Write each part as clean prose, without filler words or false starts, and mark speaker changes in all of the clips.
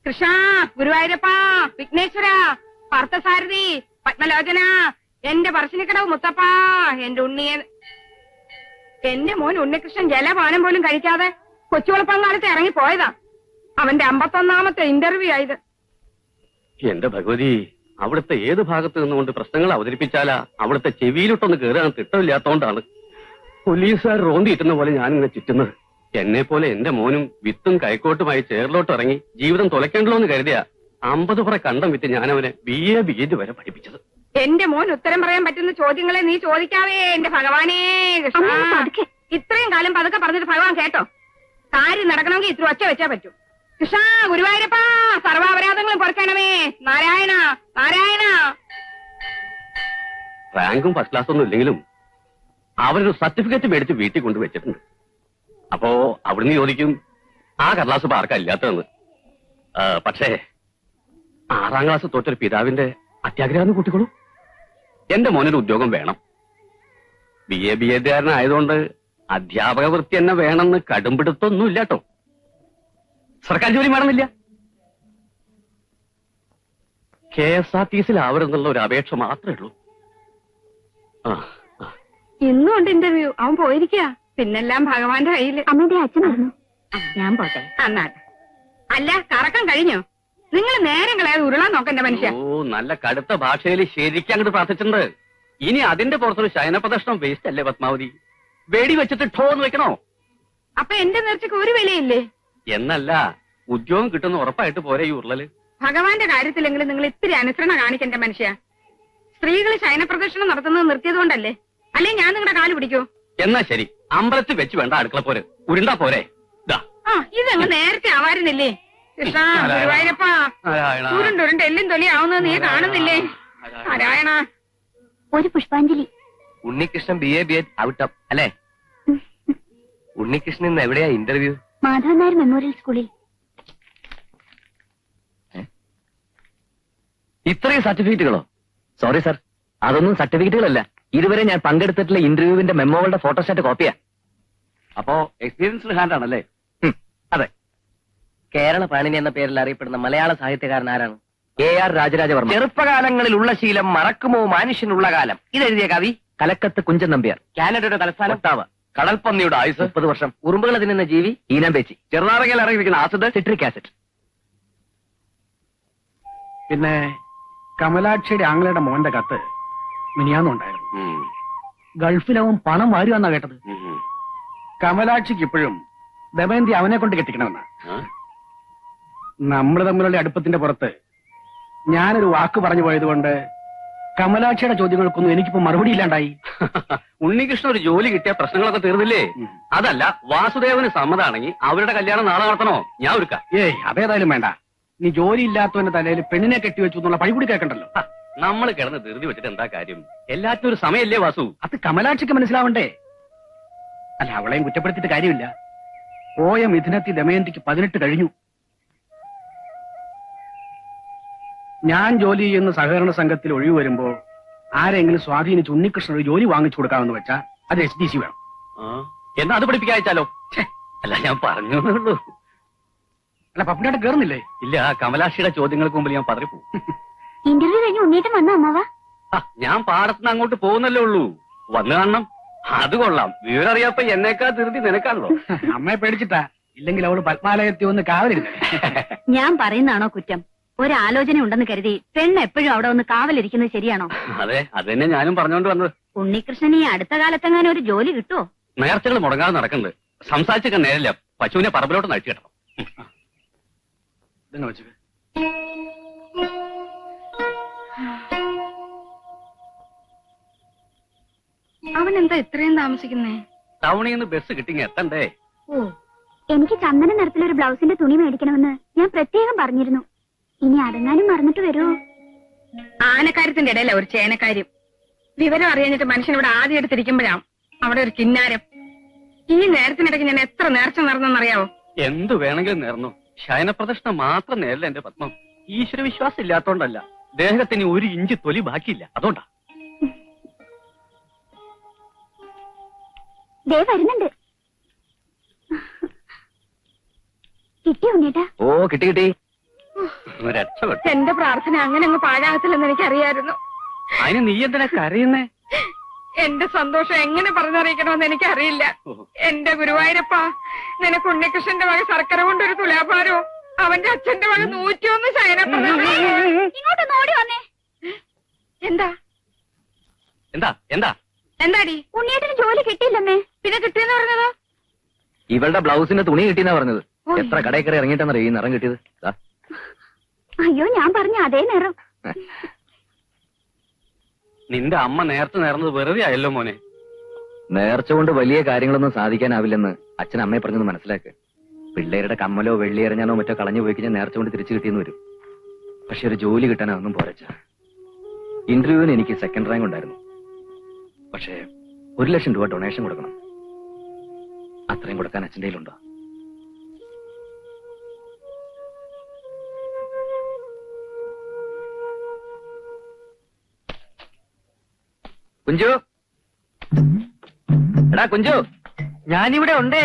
Speaker 1: കൃഷ്ണ, ഗുരുവായൂരപ്പ, വിഘ്നേശ്വര, പാർത്ഥസാരഥി, പത്മലോചന, എന്റെ പറശ്ശിനിക്കടവ് മുത്തപ്പ, എന്റെ ഉണ്ണിയെ. എന്റെ മോൻ ഉണ്ണികൃഷ്ണൻ ജലപാനം പോലും കഴിക്കാതെ കൊച്ചുവളപ്പങ്കാലത്ത് ഇറങ്ങി പോയതാ. അവന്റെ 51ാമത്തെ ഇന്റർവ്യൂ ആയത്.
Speaker 2: എന്റെ ഭഗവതി, അവിടുത്തെ ഏത് ഭാഗത്ത് നിന്നുകൊണ്ട് പ്രശ്നങ്ങൾ അവതരിപ്പിച്ചാലാ അവിടുത്തെ ചെവിയിലോട്ടൊന്ന് കയറാൻ തിട്ടമില്ലാത്തോണ്ടാണ് പോലീസുകാർ റോന്തിയിട്ടുന്ന പോലെ ഞാനിങ്ങനെ ചുറ്റുന്നത്. എന്നെ പോലെ എന്റെ മോനും വിത്തും കൈക്കോട്ടുമായി ചേറിലോട്ട് ഇറങ്ങി ജീവിതം തുലയ്ക്കേണ്ടല്ലോ എന്ന് കരുതിയ 50 പുറ കണ്ടം വിറ്റ് ഞാനവനെ BA വരെ പഠിപ്പിച്ചത്.
Speaker 1: എന്റെ മോൻ ഉത്തരം പറയാൻ പറ്റുന്ന ചോദ്യങ്ങളെ നീ ചോദിക്കാവേ എന്റെ ഭഗവാനേ കൃഷ്ണ. ഇത്രയും കാലം പതുക്കെ പറഞ്ഞിട്ട് ഭഗവാൻ കേട്ടോ? കാര്യം നടക്കണമെങ്കിൽ ഇത്ര ഒച്ച വെച്ചാ പറ്റൂ. കൃഷ്ണ, ഗുരുവായൂരപ്പ, സർവാപരാധങ്ങളും പൊറുക്കണമേ. നാരായണ നാരായണ.
Speaker 2: റാങ്കും ഫസ്റ്റ് ക്ലാസ്സൊന്നും ഇല്ലെങ്കിലും അവരൊരു സർട്ടിഫിക്കറ്റ് മേടിച്ച് വീട്ടിൽ കൊണ്ടുവച്ചിട്ടുണ്ട്. അപ്പോ അവിടുന്ന് ചോദിക്കും ആ കടലാസ് ഇപ്പൊ ആർക്കാ ഇല്ലാത്തതെന്ന്. പക്ഷേ 6ാം ക്ലാസ് തോറ്റൊരു പിതാവിന്റെ അത്യാഗ്രഹം കൂട്ടിക്കോളൂ. എന്റെ മോനൊരു ഉദ്യോഗം വേണം. BA-കാരനായതുകൊണ്ട് അധ്യാപക വൃത്തി തന്നെ വേണമെന്ന് കടുംപിടുത്തൊന്നുമില്ല കേട്ടോ. സർക്കാർ ജോലി വേണമെന്നില്ല. KSRTC-ലാവരുന്നുള്ള ഒരു അപേക്ഷ മാത്രമേ ഉള്ളൂ.
Speaker 1: ഇന്നും ഉണ്ട് ഇന്റർവ്യൂ. അവൻ പോയിരിക്കുക. പിന്നെല്ലാം ഭഗവാന്റെ കയ്യില്.
Speaker 3: അമ്മയുടെ അച്ഛനായിരുന്നു. ഞാൻ പോട്ടെ.
Speaker 1: അന്നാട്ടെ. അല്ല, കറക്കം കഴിഞ്ഞോ? നിങ്ങൾ നേരം കളയാതെ ഉരുളാൻ നോക്കണ്ട മനുഷ്യ.
Speaker 2: ഓ, നല്ല കടുത്ത ഭാഷയിൽ ശരിക്കും അങ്ങോട്ട് പ്രാർത്ഥിച്ചിട്ടുണ്ട്. ഇനി അതിന്റെ പുറത്തൊരു ശയനപ്രദർശനം വേസ്റ്റ് അല്ലേ പത്മാവതി? വെടി വെച്ചിട്ട് ഠോന്ന് വെക്കണോ?
Speaker 1: അപ്പൊ എന്റെ നേർച്ചക്ക് ഒരു വിലയില്ലേ?
Speaker 2: എന്നല്ല, ഉദ്യോഗം കിട്ടുന്ന ഉറപ്പായിട്ട് പോരെ ഈ ഉരുളല്.
Speaker 1: ഭഗവാന്റെ കാര്യത്തിലെങ്കിലും നിങ്ങൾ ഇത്തിരി അനുസരണ കാണിക്കണ്ട മനുഷ്യ. സ്ത്രീകൾ ശയനപ്രദർശനം നടത്തുന്നത് നിർത്തിയതുകൊണ്ടല്ലേ? അല്ലെ ഞാൻ നിങ്ങളുടെ കാല് പിടിക്കൂ?
Speaker 2: എന്നാ ശരി, അമ്പലത്തിൽ വെച്ച് വേണ്ട അടുക്കള പോരെ, ഉരുണ്ടാ പോരെ.
Speaker 1: ഇതങ്ങ് നേരത്തെ ആവാരുന്നില്ലേ? കൃഷ്ണ, ഗുരുവായൂരപ്പ, ഉരുണ്ടുരുണ്ട് എല്ലും തൊലിയാവുന്നത് നീ കാണുന്നില്ലേ? നാരായണ.
Speaker 3: ഒരു പുഷ്പാഞ്ജലി.
Speaker 4: ഉണ്ണികൃഷ്ണൻ BA ഔട്ട് ഓഫ് അല്ലേ? ഉണ്ണികൃഷ്ണൻ ഇന്ന് എവിടെയാ ഇന്റർവ്യൂ?
Speaker 3: മാധവൻ നായർ മെമ്മോറിയൽ സ്കൂളിൽ.
Speaker 4: ഇത്രയും സർട്ടിഫിക്കറ്റുകളോ? സോറി സർ, അതൊന്നും സർട്ടിഫിക്കറ്റുകളല്ല. ഇതുവരെ ഞാൻ പങ്കെടുത്തിട്ടുള്ള ഇന്റർവ്യൂവിന്റെ മെമ്മോകളുടെ ഫോട്ടോസ്റ്റാറ്റ് കോപ്പിയാ.
Speaker 2: അപ്പോ എക്സ്പീരിയൻസ്ഡ് ഹാൻഡ് ആണല്ലേ?
Speaker 4: അതെ. കേരള പാണിനി എന്ന പേരിൽ അറിയപ്പെടുന്ന മലയാള സാഹിത്യകാരൻ ആരാണ്? AR രാജരാജവർമ്മ. ചെറുപ്പകാലങ്ങളിലുള്ള ശീലം മറക്കുമോ മനുഷ്യനുള്ള കാലം. ഇതെഴുതിയ കവി കലക്കത്ത് കുഞ്ചൻ നമ്പ്യാർ. കാനഡയുടെ തലസ്ഥാനം ഒട്ടാവ. കടൽപ്പന്നിയുടെ ആയുസ് 30 വർഷം. ഉറുമ്പുകളെ തിന്നുന്ന ജീവി ഈനാമ്പേച്ചി. ചെറുനാറകയിൽ ഇറങ്ങിയിരിക്കുന്ന ആസിഡ് സിട്രിക് ആസിഡ്.
Speaker 5: പിന്നെ കമലാക്ഷിയുടെ ആംഗ്ലയുടെ മോന്റെ കത്ത് മിനിയാന്നുണ്ടായിരുന്നു. ഗൾഫിലവൻ പണം വാരുവാന്നാ കേട്ടത്. കമലാക്ഷിക്ക് ഇപ്പോഴും ദമയന്തി അവനെ കൊണ്ട് കെട്ടിക്കണമെന്നാ. നമ്മൾ തമ്മിലുള്ള അടുപ്പത്തിന്റെ പുറത്ത് ഞാനൊരു വാക്ക് പറഞ്ഞു പോയതുകൊണ്ട് കമലാക്ഷിയുടെ ചോദ്യങ്ങൾക്കൊന്നും എനിക്കിപ്പോ മറുപടി ഇല്ലാണ്ടായി.
Speaker 2: ഉണ്ണികൃഷ്ണൻ ഒരു ജോലി കിട്ടിയ പ്രശ്നങ്ങളൊക്കെ തീർന്നില്ലേ? അതല്ല, വാസുദേവന് സമ്മതാണെങ്കിൽ അവരുടെ കല്യാണം നാളെ നടത്തണോ? ഞാൻ ഒരുക്കാം.
Speaker 5: അതേതായാലും വേണ്ട. നീ ജോലി ഇല്ലാത്തവന്റെ തലയിൽ പെണ്ണിനെ കെട്ടിവെച്ചു എന്നുള്ള പഴികൂടി കേൾക്കണ്ടല്ലോ.
Speaker 2: നമ്മൾ കിടന്ന് ധൃതി വെച്ചിട്ട് എന്താ കാര്യം? എല്ലാത്തിനും ഒരു സമയല്ലേ വാസു?
Speaker 5: അത് കമലാക്ഷിക്ക് മനസ്സിലാവണ്ടേ? അല്ല, അവളെയും കുറ്റപ്പെടുത്തിയിട്ട് കാര്യമില്ല. പോയ മിഥുനത്തിൽ ദമയന്തിക്ക് 18 കഴിഞ്ഞു. ഞാൻ ജോലി ചെയ്യുന്ന സഹകരണ സംഘത്തിൽ ഒഴിവ് വരുമ്പോ ആരെങ്കിലും സ്വാധീനിച്ച് ഉണ്ണികൃഷ്ണൻ ഒരു ജോലി വാങ്ങിച്ചു കൊടുക്കാമെന്ന് വെച്ചാ അത് SDC വേണം.
Speaker 2: എന്നാ അത് പഠിപ്പിക്കാച്ചാലോ? അല്ല, ഞാൻ പറഞ്ഞു ഉള്ളൂ.
Speaker 5: അല്ല, പപ്പിനായിട്ട് കേറുന്നില്ലേ?
Speaker 2: ഇല്ല, കമലാക്ഷിയുടെ ചോദ്യങ്ങൾക്ക് മുമ്പിൽ ഞാൻ പതറിപ്പോ.
Speaker 3: ഇന്റർവ്യൂ കഴിഞ്ഞ് ഉണ്ണീട്ടം വന്നോ അമ്മാവ?
Speaker 2: ഞാൻ പാടത്തുനിന്ന് അങ്ങോട്ട് പോകുന്നല്ലേ ഉള്ളൂ. വന്നു കാണണം. അത് കൊള്ളാം. വിവരം അറിയാപ്പ എന്നേക്കാ ധൃതി നിനക്കാണല്ലോ.
Speaker 5: അമ്മയെ പേടിച്ചിട്ടാ. ഇല്ലെങ്കിൽ അവള് പത്മാലയത്തിൽ ഒന്ന് കാവലിരുന്നേ.
Speaker 3: ഞാൻ പറയുന്നതാണോ കുറ്റം? ഒരാലോചന ഉണ്ടെന്ന് കരുതി പെണ്ണ് എപ്പോഴും അവിടെ ഒന്ന് കാവലിരിക്കുന്നത് ശരിയാണോ?
Speaker 2: അതെ, അത് തന്നെ ഞാനും പറഞ്ഞോണ്ട് വന്നത്.
Speaker 3: ഉണ്ണികൃഷ്ണന് ഈ അടുത്ത കാലത്തെങ്ങാനും ഒരു ജോലി കിട്ടുമോ?
Speaker 2: നേർച്ചകൾ മുടങ്ങാതെ നടക്കുന്നുണ്ട്. സംസാരിച്ചൊക്കെ നേരില്ല. പശുവിനെ പറമ്പിലോട്ട് നയിച്ചു കിട്ടണം.
Speaker 1: അവൻ എന്താ ഇത്രയും താമസിക്കുന്നേ?
Speaker 2: ടൗണിൽ നിന്ന് ബസ് കിട്ടിങ്ങ എത്തണ്ടേ?
Speaker 3: ഓ, എനിക്ക് ചന്ദന നിറത്തിലൊരു ബ്ലൗസിന്റെ തുണി മേടിക്കണമെന്ന് ഞാൻ പ്രത്യേകം പറഞ്ഞിരുന്നു. ഇനി അടങ്ങാനും മറന്നിട്ട് വരൂ.
Speaker 1: ആനക്കാര്യത്തിന്റെ ഇടയില ഒരു ചേനക്കാര്യം. വിവരം അറിയാഞ്ഞിട്ട് മനുഷ്യൻ ഇവിടെ ആദ്യം എടുത്തിരിക്കുമ്പോഴാണ് അവിടെ ഒരു കിന്നാരം. ഈ നേരത്തിനിടയ്ക്ക് ഞാൻ എത്ര നേർച്ച നടന്നെന്നറിയാവോ?
Speaker 2: എന്തു വേണമെങ്കിലും നേർന്നു. ശയനപ്രദർശനം മാത്രം നേരില്ല എന്റെ പത്മം. ഈശ്വര വിശ്വാസം ഇല്ലാത്തോണ്ടല്ല, ദേഹത്തിന് 1 ഇഞ്ച് തൊലി ബാക്കിയില്ല, അതുകൊണ്ടാ.
Speaker 3: വരുന്നുണ്ട്. കിട്ടിയോ ഉണ്ണീട്ടാ?
Speaker 4: ഓ, കിട്ടി.
Speaker 2: രക്ഷപ്പെട്ടു.
Speaker 1: എന്റെ പ്രാർത്ഥന അങ്ങനെ അങ്ങ് പാഴാകത്തില്ലെന്ന് എനിക്കറിയായിരുന്നു.
Speaker 2: അതിന് നീ എന്തിനാ കരയുന്നേ?
Speaker 1: എന്റെ സന്തോഷം എങ്ങനെ പറഞ്ഞറിയിക്കണമെന്ന് എനിക്കറിയില്ല. എന്റെ ഗുരുവായൂരപ്പ, നിനക്ക് ഉണ്ണികൃഷ്ണന്റെ വക ശർക്കര കൊണ്ടൊരു തുലാഭാരവും അവന്റെ അച്ഛന്റെ വക 101 ശയനപ്രദവും.
Speaker 3: ഇങ്ങോട്ട് നോടി വന്നേ.
Speaker 1: എന്താ
Speaker 2: എന്താ എന്താ
Speaker 1: എന്താടി?
Speaker 3: ഉണ്ണിയേട്ടന് ജോലി കിട്ടിയില്ലമ്മേ.
Speaker 1: പിന്നെ കിട്ടിയെന്ന് പറഞ്ഞതോ?
Speaker 4: ഇവളുടെ ബ്ലൗസിന്റെ തുണി കിട്ടിയെന്നാ പറഞ്ഞത്. എത്ര കടയിൽ കയറി ഇറങ്ങിയിട്ടെന്നറിയോ ഈ നിറം കിട്ടിയത്? ദാ.
Speaker 3: അയ്യോ, ഞാൻ പറഞ്ഞ അതേ നേരം.
Speaker 2: നിന്റെ അമ്മ നേരത്തെ നേർന്നത് വെറുതെ ആയല്ലോ മോനെ.
Speaker 4: നേർച്ച കൊണ്ട് വലിയ കാര്യങ്ങളൊന്നും സാധിക്കാനാവില്ലെന്ന് അച്ഛൻ അമ്മയെ പറഞ്ഞത് മനസ്സിലാക്ക്. പിള്ളേരുടെ കമ്മലോ വെള്ളി എറിഞ്ഞാനോ മറ്റോ കളഞ്ഞു പോയി കഴിഞ്ഞാൽ നേർച്ച കൊണ്ട് തിരിച്ചു കിട്ടിയെന്ന് വരും. പക്ഷെ ഒരു ജോലി കിട്ടാൻ അതൊന്നും പോരച്ച. ഇന്റർവ്യൂവിന് എനിക്ക് 2nd റാങ്ക് ഉണ്ടായിരുന്നു. പക്ഷേ 1 ലക്ഷം രൂപ ഡൊണേഷൻ കൊടുക്കണം. അത്രയും കൊടുക്കാൻ അച്ഛൻ്റെ കയ്യിലുണ്ടോ? കുഞ്ചു, എടാ കുഞ്ചു,
Speaker 5: ഞാനിവിടെ ഉണ്ടേ.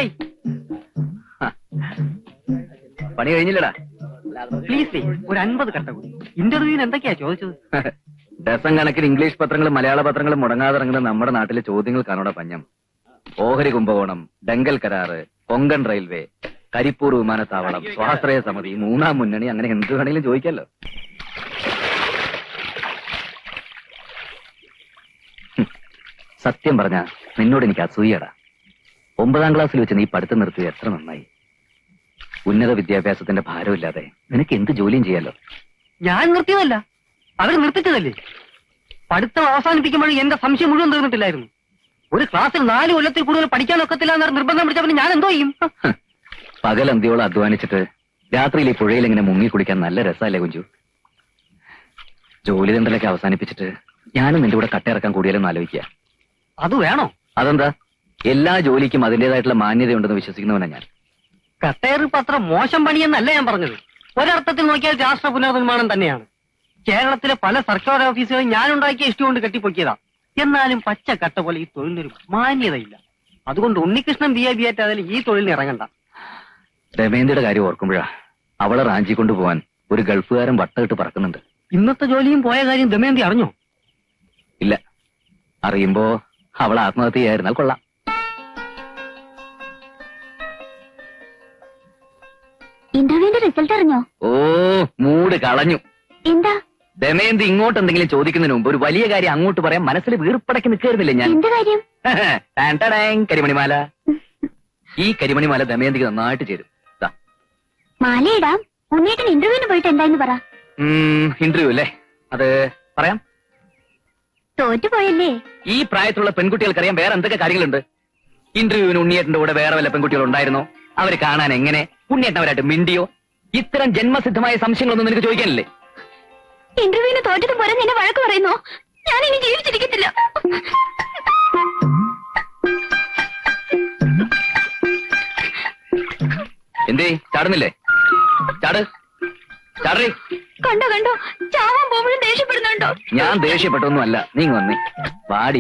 Speaker 4: പണി കഴിഞ്ഞില്ലടാ.
Speaker 5: പ്ലീസ് ഒരു 50 കട്ട കൂടി. ഇന്റർവ്യൂവിന് എന്തൊക്കെയാ ചോദിച്ചത്?
Speaker 4: ഡസൻ കണക്കിന് ഇംഗ്ലീഷ് പത്രങ്ങളും മലയാള പത്രങ്ങളും മുടങ്ങാതെ ഇറങ്ങുന്ന നമ്മുടെ നാട്ടിലെ ചോദ്യങ്ങൾക്കാണോടാ പഞ്ഞം. ഓഹരി കുംഭകോണം, ഡെങ്കൽ കരാറ്, കൊങ്കൺ റെയിൽവേ, കരിപ്പൂർ വിമാനത്താവളം, സ്വാശ്രയ സമിതി, 3ാം മുന്നണി, അങ്ങനെ എന്ത് വേണമെങ്കിലും ചോദിക്കാലോ. സത്യം പറഞ്ഞ നിന്നോട് എനിക്ക് അസൂയടാ. 9ാം ക്ലാസ്സിൽ വെച്ച് നീ പഠിത്തം നിർത്തിയത് എത്ര നന്നായി. ഉന്നത വിദ്യാഭ്യാസത്തിന്റെ ഭാരമില്ലാതെ നിനക്ക് എന്ത് ജോലിയും ചെയ്യാലോ.
Speaker 5: ഞാൻ നിർത്തിയതല്ല, അവർ നിർത്തിച്ചതല്ലേ. പഠിത്തം അവസാനിപ്പിക്കുമ്പോഴും എന്റെ സംശയം മുഴുവൻ തീർന്നിട്ടില്ലായിരുന്നു. ഒരു ക്ലാസ്സിൽ 4 കൊല്ലത്തിൽ കൂടുതൽ പഠിക്കാനൊക്കത്തില്ല എന്ന് നിർബന്ധം പിടിച്ചവന് ഞാൻ എന്തോ ചെയ്യും?
Speaker 4: പകൽ അന്തിയോളം അധ്വാനിച്ചിട്ട് രാത്രിയിൽ ഈ പുഴയിൽ ഇങ്ങനെ മുങ്ങി കുടിക്കാൻ നല്ല രസമല്ലേ കുഞ്ചു? ജോലി തണ്ടലൊക്കെ അവസാനിപ്പിച്ചിട്ട് ഞാനും നിന്റെ കൂടെ കട്ടയിറക്കാൻ കൂടിയാലെന്ന് ആലോചിക്കുക.
Speaker 5: അത് വേണോ?
Speaker 4: അതെന്താ? എല്ലാ ജോലിക്കും അതിന്റേതായിട്ടുള്ള മാന്യതയുണ്ടെന്ന് വിശ്വസിക്കുന്നവനാ ഞാൻ.
Speaker 5: കട്ടേറിപ്പ് അത്ര മോശം പണിയെന്നല്ല ഞാൻ പറഞ്ഞത്. ഒരർത്ഥത്തിൽ നോക്കിയാൽ രാഷ്ട്ര പുനർനിർമ്മാണം തന്നെയാണ്. കേരളത്തിലെ പല സർക്കാർ ഓഫീസുകളും ഞാൻ ഉണ്ടാക്കിയ ഇഷ്ടം കൊണ്ട് കെട്ടിപ്പൊക്കിയതാ. എന്നാലും പച്ച കട്ട പോലെ ഈ തൊഴിലിനൊരു മാന്യതയില്ല. അതുകൊണ്ട് ഉണ്ണികൃഷ്ണൻ BA ആയാലും ഈ തൊഴിലിന് ഇറങ്ങണ്ട.
Speaker 4: രമേന്ദ്രയുടെ കാര്യം ഓർക്കുമ്പോഴാ അവളെ റാഞ്ചി കൊണ്ടുപോവാൻ ഒരു ഗൾഫുകാരൻ വട്ടമിട്ട് പറക്കുന്നുണ്ട്.
Speaker 5: ഇന്നത്തെ ജോലിയും പോയ കാര്യം ദമയന്തി അറിഞ്ഞോ?
Speaker 4: ഇല്ല. അറിയുമ്പോ അവൾ ആത്മഹത്യ ചെയ്യായിരുന്നാൽ കൊള്ളാം.
Speaker 3: ഇന്റർവ്യൂവിന്റെ റിസൾട്ട് അറിഞ്ഞോ?
Speaker 4: ഓ, മൂട് കളഞ്ഞു.
Speaker 3: എന്താ?
Speaker 4: ദമയന്തി ഇങ്ങോട്ട് എന്തെങ്കിലും ചോദിക്കുന്നതിന് മുമ്പ് ഒരു വലിയ കാര്യം അങ്ങോട്ട് പറയാൻ മനസ്സിൽ വീർപ്പടക്കി നിൽക്കായിരുന്നില്ലേ ഞാൻ?
Speaker 3: എന്ത് കാര്യം?
Speaker 4: കരിമണിമാല. ഈ കരിമണിമാല ദമയന്തിക്ക് നന്നായിട്ട് ചേരും.
Speaker 3: മാലയിടാം. ഉണ്ണിയേട്ടൻ ഇന്റർവ്യൂവിന് പോയിട്ട് എന്തായെന്ന് പറ.
Speaker 4: ഇന്റർവ്യൂ അല്ലേ? അത് പറയാം.
Speaker 3: തോറ്റുപോയല്ലേ?
Speaker 4: ഈ പ്രായത്തിലുള്ള പെൺകുട്ടികൾക്കറിയാം വേറെ എന്തൊക്കെ കാര്യങ്ങളുണ്ട്. ഇന്റർവ്യൂവിന് ഉണ്ണിയേട്ടന്റെ കൂടെ വേറെ വല്ല പെൺകുട്ടികൾ ഉണ്ടായിരുന്നോ? അവര് കാണാൻ എങ്ങനെ? ഉണ്ണിയേട്ടൻ അവരായിട്ട് മിണ്ടിയോ? ഇത്തരം ജന്മസിദ്ധമായ സംശയങ്ങളൊന്നും നിനക്ക് ചോദിക്കാനില്ലേ?
Speaker 3: ഇന്റർവ്യൂവിന് തോറ്റതും പോരെ നിന്നെ വഴക്ക് പറയുന്നോ? ഞാൻ ഇനി ജീവിച്ചിരിക്കത്തില്ല.
Speaker 4: എന്തേ ചാടുന്നില്ലേ? ചാട്, ചാടേ.
Speaker 3: കണ്ടോ കണ്ടോ, ചാവാൻ പോകുമ്പോഴും ദേഷ്യപ്പെടുന്നുണ്ടോ?
Speaker 4: ഞാൻ ദേഷ്യപ്പെട്ടൊന്നുമല്ല, നീ വന്നേ വാടി.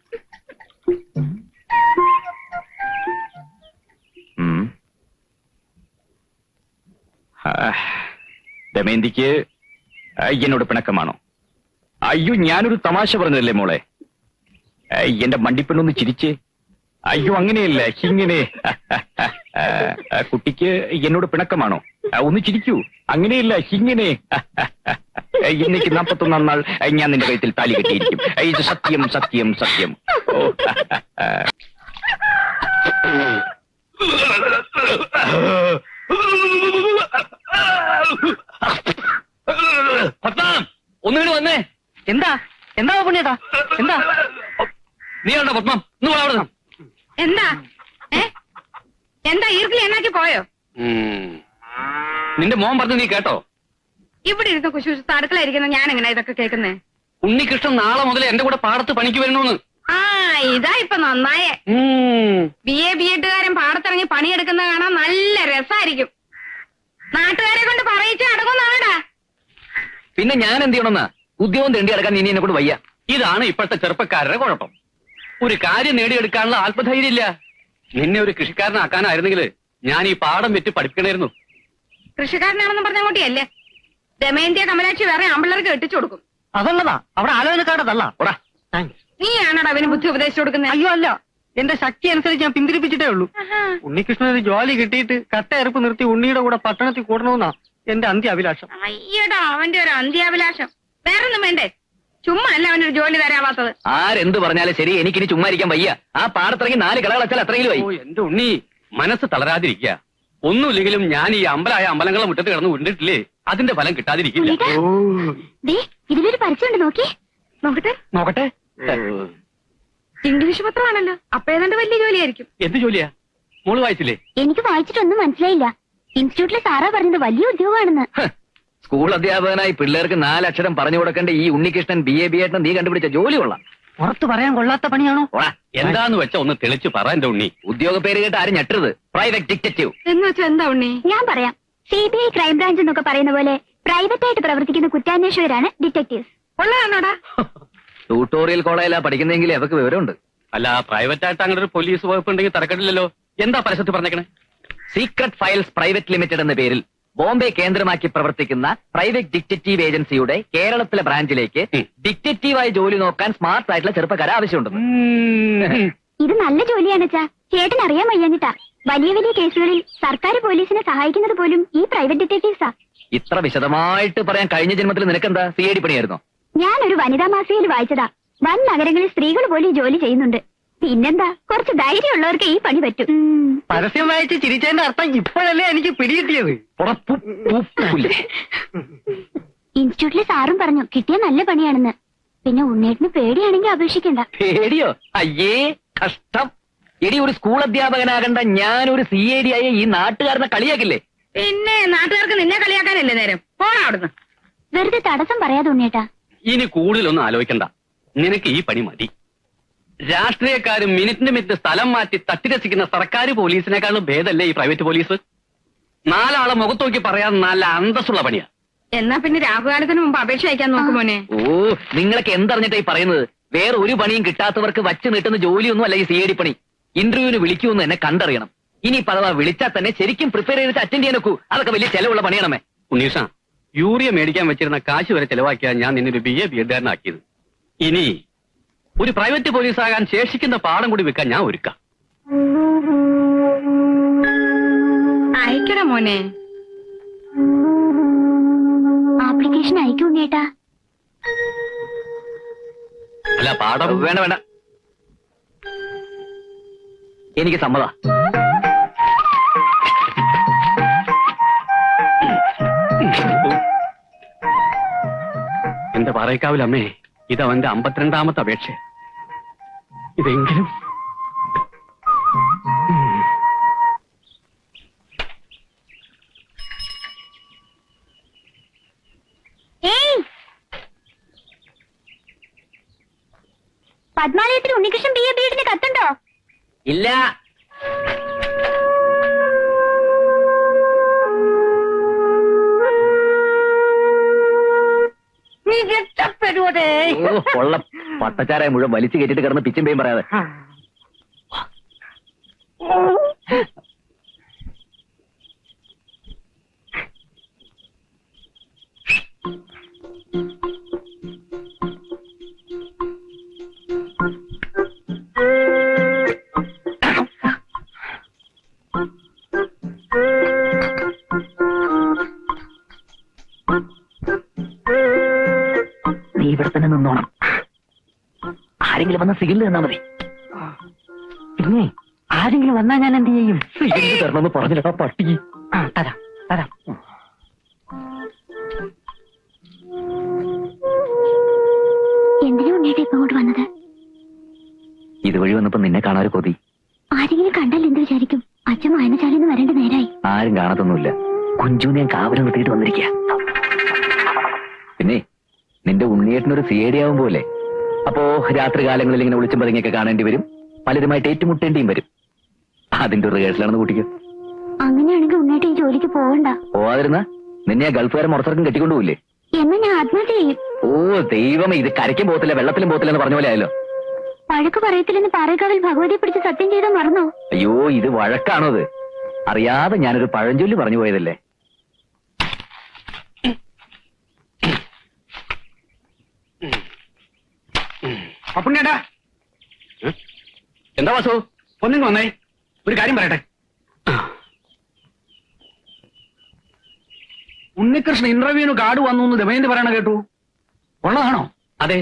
Speaker 4: ദമയന്തിക്ക് എന്നോട് പിണക്കമാണോ? അയ്യോ, ഞാനൊരു തമാശ പറഞ്ഞതല്ലേ മോളെ. എന്റെ മണ്ടിപ്പെണ്ണൊന്ന് ചിരിച്ച്. അയ്യോ, അങ്ങനെയല്ല, ഇങ്ങനെ. കുട്ടിക്ക് എന്നോട് പിണക്കമാണോ? ഒന്ന് ചിരിക്കൂ. അങ്ങനെയല്ല, ഇങ്ങനെ. എനിക്ക് 41 നാൾ ഞാൻ നിന്റെ കഴുത്തിൽ താലി കെട്ടിയിരിക്കും. ഇത് സത്യം, സത്യം, സത്യം. ഓ. ഒന്നുകൂടി വന്നേ.
Speaker 5: എന്താ എന്താ പുണ്യേട്ടാ? എന്താ?
Speaker 4: നീ ഉണ്ടോ പത്മം? അവിടെ
Speaker 1: എന്താ? എന്താ ഈർക്കിൽ എന്നാക്കി പോയോ?
Speaker 2: നിന്റെ മോൻ പറഞ്ഞു നീ കേട്ടോ?
Speaker 1: ഇവിടെ ഇരുന്ന് കുശുശുത്ത് അടുക്കളയിരിക്കുന്ന ഞാൻ എങ്ങനെ ഇതൊക്കെ കേൾക്കുന്നേ?
Speaker 2: ഉണ്ണികൃഷ്ണൻ നാളെ മുതൽ എന്റെ കൂടെ പാടത്ത് പണിക്ക് വരണമെന്ന്.
Speaker 1: ആ, ഇതാ ഇപ്പൊ നന്നായേ. BA പാടത്തിറങ്ങി പണിയെടുക്കുന്നത് കാണാൻ നല്ല രസമായിരിക്കും. നാട്ടുകാരെ കൊണ്ട് പറയിച്ച് അടങ്ങുന്നാടാ.
Speaker 4: പിന്നെ ഞാൻ എന്ത് ചെയ്യണമെന്നാ? ഉദ്യോഗം തേണ്ടി അടക്കാൻ ഇനി എന്നെ കൂടെ വയ്യ.
Speaker 2: ഇതാണ് ഇപ്പോഴത്തെ ചെറുപ്പക്കാരുടെ കുഴപ്പം. ഒരു കാര്യം നേടിയെടുക്കാനുള്ള ആത്മധൈര്യം ഇല്ല. നിന്നെ ഒരു കൃഷിക്കാരനാക്കാനായിരുന്നെങ്കിൽ ഞാൻ ഈ പാടം വെച്ച് പഠിപ്പിക്കണമായിരുന്നു.
Speaker 1: കൃഷിക്കാരനാണെന്ന് പറഞ്ഞ അങ്ങോട്ടിയല്ലേ? ദമയന്തിയ കമലാക്ഷി വേറെ ആമ്പിള്ളേർക്ക് കെട്ടിച്ചു കൊടുക്കും.
Speaker 5: അതുള്ളതാ, അവിടെ ആലോചനക്കാരതല്ല.
Speaker 2: താങ്ക്സ്.
Speaker 1: നീയാണോടാ അവന് ബുദ്ധി ഉപദേശിച്ചു കൊടുക്കുന്നത്?
Speaker 5: അയ്യോ അല്ല, എന്റെ ശക്തി അനുസരിച്ച് ഞാൻ പിന്തിരിപ്പിച്ചിട്ടേ ഉള്ളൂ. ഉണ്ണികൃഷ്ണൻ ഒരു ജോലി കിട്ടിയിട്ട് കട്ടയെറുപ്പ് നിർത്തി ഉണ്ണിയുടെ കൂടെ പട്ടണത്തിൽ കൂടണമെന്നാ എന്റെ അന്ത്യ അഭിലാഷം.
Speaker 1: അയ്യടാ അവന്റെ ഒരു അന്ത്യാഭിലാഷം. വേറൊന്നും വേണ്ടേ? ചുമ്മാ അല്ല അവനൊരു ജോലി തരാവാത്തത്.
Speaker 4: ആരെന്ത് പറഞ്ഞാലും ശരി, എനിക്കിനി ചുമ്മാ ഇരിക്കാൻ വയ്യ. ആ പാടത്തിറങ്ങി 4 കളകളച്ചാൽ അത്രയും വൈ.
Speaker 2: ഓ എന്റെ ഉണ്ണി, മനസ്സ് തളരാതിരിക്കുക. ഒന്നുമില്ലെങ്കിലും ഞാൻ ഈ അമ്പലങ്ങളെ മുറ്റത്ത് കിടന്ന് ഉണ്ടിട്ടില്ലേ, അതിന്റെ ഫലം കിട്ടാതിരിക്കില്ല.
Speaker 3: ദേ, ഇതിലൊരു പരസ്യമുണ്ട്, നോക്കി.
Speaker 5: നോക്കട്ടെ.
Speaker 1: ഇംഗ്ലീഷ് പത്രമാണല്ലോ, അപ്പൊ ഏതാണ്ട് വലിയ ജോലിയായിരിക്കും.
Speaker 2: എന്ത് ജോലിയാ? മോള് വായിച്ചില്ലേ?
Speaker 3: എനിക്ക് വായിച്ചിട്ടൊന്നും മനസ്സിലായില്ല. ഇൻസ്റ്റിറ്റ്യൂട്ടിലെ സാറാ പറഞ്ഞത് വലിയ ഉദ്യോഗമാണെന്ന്.
Speaker 4: സ്കൂൾ അധ്യാപകനായി പിള്ളേർക്ക് 4 അക്ഷരം പറഞ്ഞു കൊടുക്കേണ്ട ഈ ഉണ്ണികൃഷ്ണൻ BA BEd നീ കണ്ടുപിടിച്ച ജോലി കൊള്ളാം.
Speaker 5: പുറത്ത് പറയാൻ കൊള്ളാത്ത പണിയാണോ?
Speaker 2: എന്താന്ന് വെച്ചാ ഒന്ന് തെളിച്ച് പറ എന്റെ ഉണ്ണി.
Speaker 4: ഉദ്യോഗ പേര് കേട്ട് ആരും ഞെട്ടരുത്. പ്രൈവറ്റ് ഡിറ്റക്റ്റീവ്
Speaker 1: എന്ന് വെച്ചാ എന്താ ഉണ്ണി?
Speaker 3: ഞാൻ പറയാം. CBI ക്രൈംബ്രാഞ്ച് എന്നൊക്കെ പറയുന്ന പോലെ പ്രൈവറ്റ് ആയിട്ട് പ്രവർത്തിക്കുന്ന കുറ്റാന്വേഷകരാണ് ഡിറ്റക്ടീവ്സ്.
Speaker 1: ഉള്ളതാണോടാ?
Speaker 4: ട്യൂട്ടോറിയൽ കോളേജിലാ പഠിക്കുന്നെങ്കിൽ അവർക്ക് വിവരമുണ്ട്.
Speaker 2: അല്ല, പ്രൈവറ്റ് ആയിട്ട് അങ്ങനെ ഒരു പോലീസ് വകുപ്പ് ഉണ്ടെങ്കിൽ തരക്കെട്ടില്ലല്ലോ. എന്താ പരസ്യത്തിൽ പറഞ്ഞേക്കണേ?
Speaker 4: സീക്രട്ട് ഫയൽസ് പ്രൈവറ്റ് ലിമിറ്റഡ് എന്ന പേരിൽ ബോംബെ കേന്ദ്രമാക്കി പ്രവർത്തിക്കുന്ന പ്രൈവറ്റ് ഡിറ്റക്റ്റീവ് ഏജൻസിയുടെ കേരളത്തിലെ ബ്രാഞ്ചിലേക്ക് ഡിറ്റക്റ്റീവായി ജോലി നോക്കാൻ സ്മാർട്ട് ആയിട്ടുള്ള ചെറുപ്പക്കാരെ ആവശ്യമുണ്ട്.
Speaker 3: ഇത് നല്ല ജോലിയാണ് അച്ഛാ. ചേട്ടൻ അറിയാൻ വയ്യാഞ്ഞിട്ടാ. വലിയ വലിയ കേസുകളിൽ സർക്കാർ പോലീസിനെ സഹായിക്കുന്നത് പോലും ഈ പ്രൈവറ്റ് ഡിറ്റക്ടീവ്സാ.
Speaker 4: ഇത്ര വിശദമായിട്ട് പറയാൻ കഴിഞ്ഞ ജന്മത്തിൽ നിനക്കെന്താ CID പണിയായിരുന്നോ?
Speaker 3: ഞാനൊരു വനിതാ മാസികയിൽ വായിച്ചതാ. വൻ നഗരങ്ങളിൽ സ്ത്രീകൾ പോലും ഈ ജോലി ചെയ്യുന്നുണ്ട്. പിന്നെന്താ, കുറച്ച് ധൈര്യമുള്ളവർക്ക് ഈ പണി പറ്റും.
Speaker 5: പരസ്യം വായിച്ച് ചിരിച്ചതിന്റെ അർത്ഥം ഇപ്പോഴല്ലേ എനിക്ക് പിടികിട്ടിയത്.
Speaker 3: ഇൻസ്റ്റിറ്റ്യൂട്ടിലെ സാറും പറഞ്ഞു കിട്ടിയ നല്ല പണിയാണെന്ന്. പിന്നെ ഉണ്ണേട്ടിന് പേടിയാണെങ്കിൽ അപേക്ഷിക്കണ്ട.
Speaker 4: പേടിയോ? അയ്യേ കഷ്ടം. എടി, ഒരു സ്കൂൾ അധ്യാപകനാകണ്ട ഞാനൊരു CID ആയ ഈ നാട്ടുകാരനെ കളിയാക്കില്ലേ?
Speaker 1: പിന്നെ നാട്ടുകാർക്ക് നിന്നെ കളിയാക്കാനല്ലേ നേരം? പോടാ അവിടുന്ന്.
Speaker 3: വെറുതെ തടസ്സം പറയാതെ ഉണ്ണേട്ടാ.
Speaker 2: ഇനി കൂടുതലൊന്നും ആലോചിക്കണ്ട. നിനക്ക് ഈ പണി മതി. രാഷ്ട്രീയക്കാരും മിനിറ്റ് സ്ഥലം മാറ്റി തട്ടിരസിക്കുന്ന സർക്കാർ പോലീസിനേക്കാളും ഭേദമല്ലേ ഈ പ്രൈവറ്റ് പോലീസ്? 4 ആളെ മുഖത്ത് നോക്കി പറയാൻ നല്ല അന്തസ്സുള്ള പണിയാ.
Speaker 1: എന്നാ പിന്നെ രാഹുകാലത്തിന് മുമ്പ് അപേക്ഷ അയക്കാൻ നോക്കുമോനെ.
Speaker 4: ഓ, നിങ്ങളൊക്കെ എന്തറിഞ്ഞിട്ടായി പറയുന്നത്? വേറെ ഒരു പണിയും കിട്ടാത്തവർക്ക് വച്ച് നീട്ടുന്ന ജോലിയൊന്നും അല്ല ഈ CID പണി. ഇന്റർവ്യൂവിന് വിളിക്കുമെന്ന് എന്നെ കണ്ടറിയണം. ഇനി പലവാ വിളിച്ചാൽ തന്നെ ശരിക്കും പ്രിപ്പയർ ചെയ്തിട്ട് അറ്റൻഡ് ചെയ്യാൻ നോക്കൂ. അതൊക്കെ വലിയ ചെലവുള്ള പണിയാണമേ.
Speaker 2: ഉണ്ണീഷ, യൂറിയ മേടിക്കാൻ വെച്ചിരുന്ന കാശ് വരെ ചെലവാക്കിയാൽ ഞാൻ നിന്നൊരു BA BEd ആക്കിയത്. ഇനി ഒരു പ്രൈവറ്റ് പോലീസാകാൻ ശേഷിക്കുന്ന പാഠം കൂടി വെക്കാൻ ഞാൻ ഒരുക്കാം.
Speaker 1: അയക്കട മോനെ.
Speaker 3: ആപ്ലിക്കേഷൻ അയക്കും ഉണ്ണേട്ടാ.
Speaker 2: അല്ല, പാഠം
Speaker 4: വേണ്ട വേണ്ട, എനിക്ക് സമ്മതാ.
Speaker 2: എന്റെ പാറയ്ക്കാവിലമ്മേ, ഇതവന്റെ 52ാമത്തെ അപേക്ഷ. ഇതെങ്കിലും
Speaker 3: പത്മാലയത്തിൽ ഉണ്ണികൃഷ്ണൻ BA BEd കത്തുണ്ടോ?
Speaker 4: ഇല്ല.
Speaker 1: നീ രക്ഷപ്പെടുവതേ.
Speaker 4: കൊള്ള പട്ടച്ചാരായ മുഴുവൻ വലിച്ചു കയറ്റിട്ട് കിടന്ന് പിച്ചും പേയും പറയാതെ. നീ ഇവിടെ തന്നെ നിന്നോണം. ആരെങ്കിലും വന്ന സിഗില് തന്നാ മതി.
Speaker 5: പിന്നെ ആരെങ്കിലും വന്നാ ഞാൻ എന്ത് ചെയ്യും?
Speaker 4: സിഗില് തരണമെന്ന് പറഞ്ഞില്ലടാ പട്ടി.
Speaker 5: തരാം തരാം.
Speaker 3: എന്തിനാ ഉണ്ണേട്ടാ ഇപ്പൊ അങ്ങോട്ട് വന്നത്?
Speaker 4: ഇതുവഴി വന്നപ്പോ നിന്നെ കാണാൻ കൊതി.
Speaker 3: ആരെങ്കിലും കണ്ടാൽ എന്ത് വിചാരിക്കും? അച്ഛൻ വായനശാലയിൽ വരേണ്ട നേരായി.
Speaker 4: ആരും കാണത്തൊന്നുമില്ല. കുഞ്ചുവിനെ ഞാൻ കാവലം നിർത്തിയിട്ട് വന്നിരിക്കുക. പിന്നെ നിന്റെ ഉണ്ണിയേട്ടനൊരു CID ആവും പോലെ. അപ്പോ രാത്രി കാലങ്ങളിൽ ഇങ്ങനെ വിളിച്ചും പതുങ്ങിയൊക്കെ കാണേണ്ടി വരും. പലരുമായിട്ട് ഏറ്റുമുട്ടേണ്ടിയും വരും. അതിന്റെ ഒരു റിഹേഴ്സലാണെന്ന് കൂട്ടിക്കോ.
Speaker 3: അങ്ങനെയാണെങ്കിൽ ഉണ്ണേട്ട ഈ ജോലിക്ക് പോകണ്ട.
Speaker 4: പോവാതിരുന്ന നിന്നെ ആ ഗൾഫുകാരെ മുറത്തിറക്കം കെട്ടിക്കൊണ്ടുപോയില്ലേ?
Speaker 3: എന്നാ ഞാൻ ആത്മഹത്യ ചെയ്യും.
Speaker 4: ഓ ദൈവമേ, ഇത് കരയ്ക്കും പോകത്തില്ല വെള്ളത്തിലും പോകത്തില്ല എന്ന് പറഞ്ഞ പോലെ ആയല്ലോ.
Speaker 3: വഴക്ക് പറയത്തില്ലെന്ന് പാറേക്കാവിൽ ഭഗവതിയെ പിടിച്ച് സത്യം ചെയ്താൽ മറന്നോ?
Speaker 4: അയ്യോ, ഇത് വഴക്കാണോ? അത് അറിയാതെ ഞാനൊരു പഴഞ്ചൊല്ലി പറഞ്ഞു പോയതല്ലേ.
Speaker 6: അപ്പുണ്ണേട്ടാ
Speaker 2: എന്താ വാസു?
Speaker 6: ഒന്നിങ്ങ് വന്നേ, ഒരു കാര്യം പറയട്ടെ. ഉണ്ണികൃഷ്ണൻ ഇന്റർവ്യൂവിന് കാർഡ് വന്നു എന്ന് ദമയന്തി പറയണ കേട്ടു. ഉള്ളതാണോ?
Speaker 2: അതെ.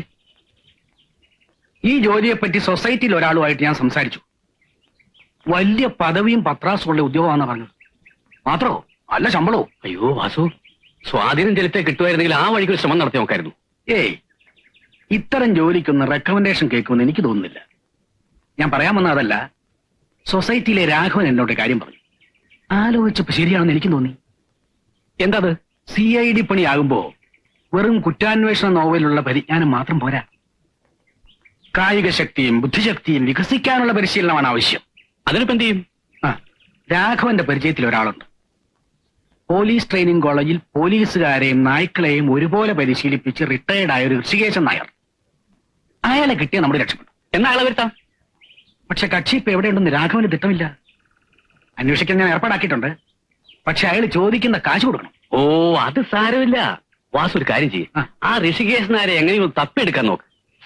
Speaker 6: ഈ ജോലിയെപ്പറ്റി സൊസൈറ്റിയിൽ ഒരാളുമായിട്ട് ഞാൻ സംസാരിച്ചു. വലിയ പദവിയും പത്രാസുള്ള ഉദ്യോഗമാണെന്ന് പറഞ്ഞത്. മാത്രോ നല്ല ശമ്പളവും.
Speaker 2: അയ്യോ വാസു, സ്വാധീനം ചെലുത്തേ കിട്ടുമായിരുന്നെങ്കിൽ ആ വഴിക്ക് ഒരു ശ്രമം നടത്തി നോക്കായിരുന്നു.
Speaker 6: ഏയ്, ഇത്തരം ജോലിക്കൊന്ന് റെക്കമെൻഡേഷൻ കേൾക്കുമെന്ന് എനിക്ക് തോന്നുന്നില്ല. ഞാൻ പറയാൻ വന്ന അതല്ല, സൊസൈറ്റിയിലെ രാഘവൻ എന്നോട് കാര്യം പറഞ്ഞു. ആലോചിച്ചപ്പോ ശരിയാണെന്ന് എനിക്കും തോന്നി.
Speaker 2: എന്താ അത്?
Speaker 6: CID പണിയാകുമ്പോ വെറും കുറ്റാന്വേഷണ നോവലുള്ള പരിജ്ഞാനം മാത്രം പോരാ. കായിക ശക്തിയും ബുദ്ധിശക്തിയും വികസിക്കാനുള്ള പരിശീലനമാണ് ആവശ്യം.
Speaker 2: അതിനിപ്പോ എന്ത് ചെയ്യും?
Speaker 6: രാഘവന്റെ പരിചയത്തിൽ ഒരാളുണ്ട്. പോലീസ് ട്രെയിനിങ് കോളേജിൽ പോലീസുകാരെയും നായ്ക്കളെയും ഒരുപോലെ പരിശീലിപ്പിച്ച് റിട്ടയർഡ് ആയ ഒരു ഋഷികേശൻ നായർ. അയാളെ കിട്ടിയ നമ്മുടെ രക്ഷപ്പെട്ടു.
Speaker 2: എന്നാ അയാളെ വരുത്താം.
Speaker 6: പക്ഷെ കക്ഷി ഇപ്പൊ എവിടെയുണ്ടെന്ന് രാഘവന് തിട്ടമില്ല. അന്വേഷിക്കാൻ ഞാൻ ഏർപ്പാടാക്കിയിട്ടുണ്ട്. പക്ഷെ അയാൾ ചോദിക്കുന്ന കാശ് കൊടുക്കണം.
Speaker 2: ഓ, അത് സാരമില്ല. വാസു ഒരു കാര്യം ചെയ്യും, ആ ഋഷികേശനാരെ എങ്ങനെയും ഒന്ന് തപ്പിയെടുക്കാൻ നോക്ക്.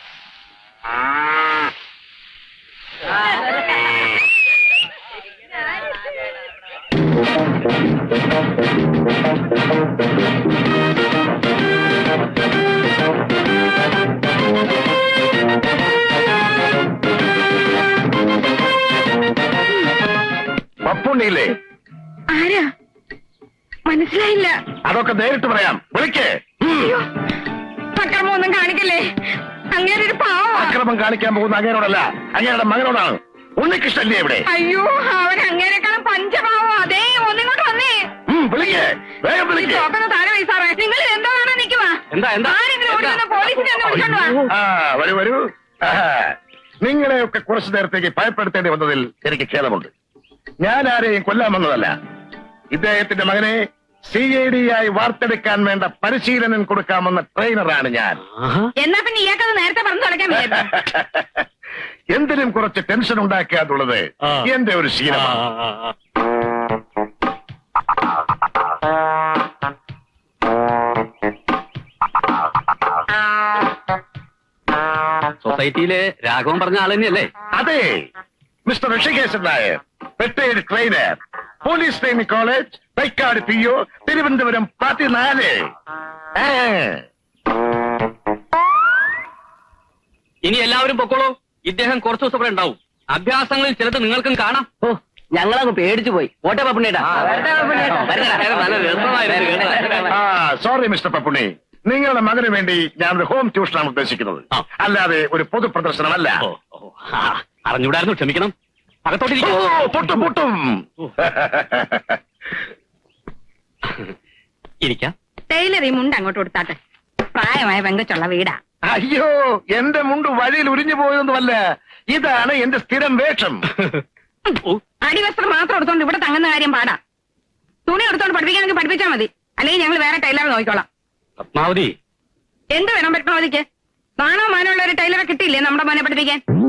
Speaker 7: പപ്പുണ്ണിയില്ലേ?
Speaker 1: ആരാ? മനസ്സിലായില്ല.
Speaker 7: അതൊക്കെ നേരിട്ട് പറയാം, വിളിക്കേ.
Speaker 1: അക്രമമൊന്നും കാണിക്കല്ലേ, അങ്ങനെ ഒരു പാവം.
Speaker 7: അക്രമം കാണിക്കാൻ പോകുന്ന അങ്ങേരോടല്ല, അങ്ങേരുടെ മകനോടാണ്. ഉണ്ണികൃഷ്ണല്ലേ ഇവിടെ?
Speaker 1: അയ്യോ, അവൻ അങ്ങേരെക്കാളും പഞ്ചപാവോ. അതേ, ഒന്നിങ്ങോട്ട് വന്നേ.
Speaker 7: വിളിക്കേ, വേഗം വിളിക്കേ.
Speaker 1: താഴെ വയസ്സാറേ, നിങ്ങൾ എന്താ കാണാൻ നിൽക്കുവാ? ആരെങ്കിലും ഓടി വന്ന് പോലീസിനെ ഒന്ന് വിളിച്ചോണ്ട് വാ.
Speaker 7: വരൂ വരൂ. നിങ്ങളെയൊക്കെ കുറച്ചു നേരത്തേക്ക് ഭയപ്പെടുത്തേണ്ടി വന്നതിൽ എനിക്ക് ഖേദമുണ്ട്. ഞാൻ ആരെയും കൊല്ലാൻ വന്നതല്ല. ഇദ്ദേഹത്തിന്റെ മകനെ CID ആയി വാർത്തെടുക്കാൻ വേണ്ട പരിശീലനം കൊടുക്കാമെന്ന ട്രെയിനറാണ് ഞാൻ.
Speaker 1: എന്നാ പിന്നെ ഇയാൾക്കത് നേരത്തെ പറഞ്ഞു തുടക്കാൻ വയ്യ.
Speaker 7: എന്തിനും കുറച്ച് ടെൻഷൻ ഉണ്ടാക്കുക എന്നുള്ളത് എന്റെ ഒരു ശീലമാണ്.
Speaker 2: സൊസൈറ്റിയിലെ രാഘവൻ പറഞ്ഞ ആൾ തന്നെയല്ലേ?
Speaker 7: അതെ, mister Hrishikesan Nair, retired trainer, police training college, Thycaud PO, Thiruvananthapuram 14.
Speaker 2: ഇനി എല്ലാവരും പൊക്കോളൂ. ഇദ്ദേഹം കുറച്ചു ദിവസം ഇവിടെ ഉണ്ടാവും. അഭ്യാസങ്ങളിൽ ചിലത് നിങ്ങൾക്കും കാണാം.
Speaker 4: ഓ, ഞങ്ങളങ്ങ് പേടിച്ചു പോയി. ഓട്ടെ പപ്പുണ്ണേട്ടാ.
Speaker 7: സോറി മിസ്റ്റർ പപ്പുണ്ണി, നിങ്ങളുടെ മകന് വേണ്ടി ഞാനൊരു ഹോം ട്യൂഷനാണ് ഉദ്ദേശിക്കുന്നത്, അല്ലാതെ ഒരു പൊതു പ്രദർശനമല്ല.
Speaker 2: അറിഞ്ഞൂടായിരുന്നു, ക്ഷമിക്കണം.
Speaker 7: പൊട്ടും പൊട്ടും.
Speaker 2: ഇരിക്കാം.
Speaker 1: ടൈലർ ഈ മുണ്ട് അങ്ങോട്ട് കൊടുത്താട്ടെ. പ്രായമായ പെങ്കച്ചുള്ള വീടാ.
Speaker 7: അയ്യോ, എന്റെ മുണ്ട് വഴിയിൽ ഉരിഞ്ഞു പോയതൊന്നുമല്ല, ഇതാണ് എന്റെ സ്ഥിരം വേഷം.
Speaker 1: അടിവസ്ത്രം മാത്രം എടുത്തോണ്ട് ഇവിടെ തങ്ങുന്ന കാര്യം പാടാ. തുണി എടുത്തോണ്ട് പഠിപ്പിക്കാനെങ്കിൽ പഠിപ്പിച്ചാൽ മതി, അല്ലെങ്കിൽ ഞങ്ങൾ വേറെ ടൈലറെ നോക്കിക്കോളാം.
Speaker 2: പത്മാവതി,
Speaker 1: എന്ത് വേണം പത്മാവതിക്ക്? നാണോ മാനമുള്ള ഒരു ടൈലറെ കിട്ടിയില്ലേ നമ്മുടെ മോനെ പഠിപ്പിക്കാൻ?